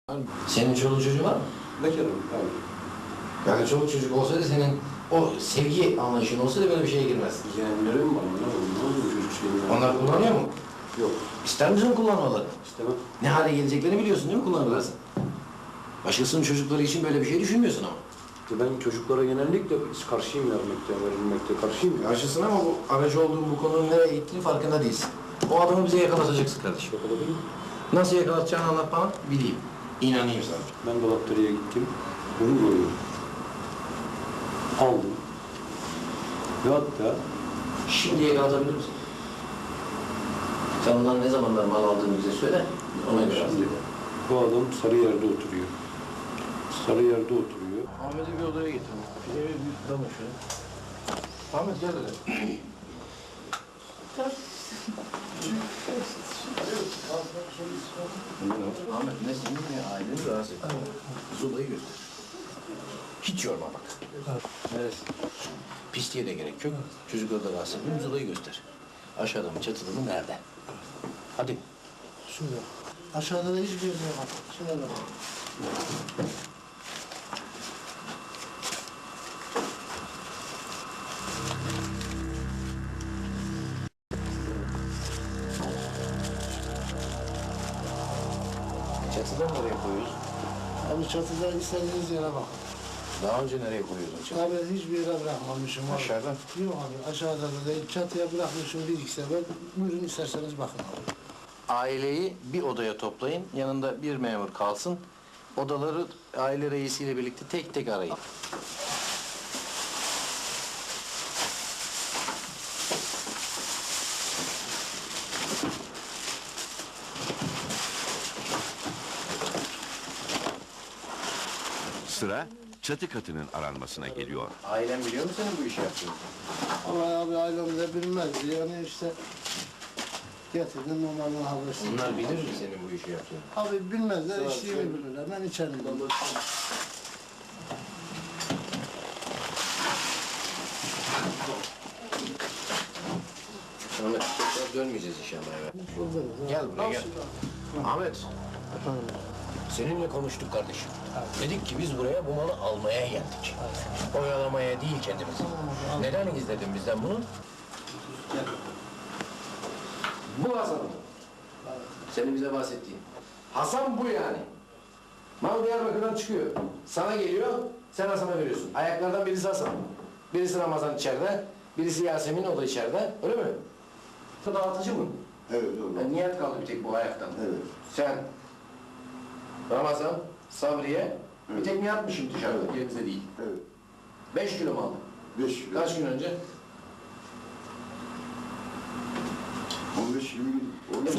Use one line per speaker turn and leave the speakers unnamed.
Senin çoluk çocuğun var mı?
Bekarım abi.
Yani çoluk çocuk olsaydı senin o sevgi anlayışın olsaydı böyle bir şeye girmez.
Yeğenlerim var. Ne oluyor çocuk şeyini?
Onlar kullanıyor mu?
Yok.
İster misin kullanmaları?
İstemem.
Ne hale geleceklerini biliyorsun değil mi kullanırlarsa? Başkasının çocukları için böyle bir şey düşünmüyorsun ama.
Ben çocuklara genellikle karşıyım verilmekte karşıyım.
Karşısın ama bu aracı olduğun bu konunun nereye gittiğini farkında değilsin. O adamı bize yakalatacaksın kardeşim.
Yakaladın mı?
Nasıl yakalatacağını anlat bana, bileyim. İnanayım sana.
Ben dolapderiye gittim. Bunu görüyorum. Aldım. Ve hatta
Şimdi yakalatabilir misin? Sen ondan ne zamanlar mal aldığını bize söyle. Ona göre
şimdi bu adam Sarıyer'de oturuyor. Sarıyer'de oturuyor.
Ahmet'i bir odaya getir. Pideyi bir tutalım şöyle. Ahmet gel hele. Ahmet ne senin ne aileni rahatsız et. Zulayı göster. Hiç yorma bak. Neresi? Pisliğe de gerek yok. Çocukları da rahatsız etmiyor. Zulayı göster. Aşağıda mı çatıda mı nerede? Hadi.
Şurada. Aşağıda da hiçbir yer yok. Şurada bak.
Çatıda nereye koyuyoruz?
Abi çatıda istediğiniz yere bak.
Daha önce nereye koyuyordun çatıda?
Abi hiçbir yere bırakmamışım abi.
Aşağıda?
Yok abi aşağıda da değil. Çatıya bırakmışım bir iki sefer. Buyurun isterseniz bakın abi.
Aileyi bir odaya toplayın. Yanında bir memur kalsın. Odaları aile reisiyle birlikte tek tek arayın.
Sıra çatı katının aranmasına geliyor.
Ailen biliyor mu senin bu işi yaptığını?
Ama abi ailem de bilmez. Yani işte getirdim onların habersin.
Onlar bilir mi senin bu işi yaptığını?
Abi bilmezler, içtiğimi bilirler. Ben içerim.
Ahmet, tekrar dönmeyeceğiz inşallah eve.
Buradayız.
Gel buraya gel. Ahmet, seninle konuştuk kardeşim. Dedik ki biz buraya bu malı almaya geldik. Oyalamaya değil kendimizi. Neden gizledin bizden bunu? Bu Hasan. Senin bize bahsettiğin. Hasan bu yani. Mal Diyarbakır'dan çıkıyor. Sana geliyor, sen Hasan'a veriyorsun. Ayaklardan birisi Hasan. Birisi Ramazan içeride, birisi Yasemin, o da içeride. Öyle mi? Dağıtıcı mı?
Evet, doğru.
Yani Nihat kaldı bir tek bu ayaktan.
Evet.
Sen, Ramazan, Sabriye, bir tek Nihat'mışım dışarıda, yerimizde değil.
Evet.
5 kilo mu aldın?
5 kilo.
Kaç gün önce?
15-20 gün.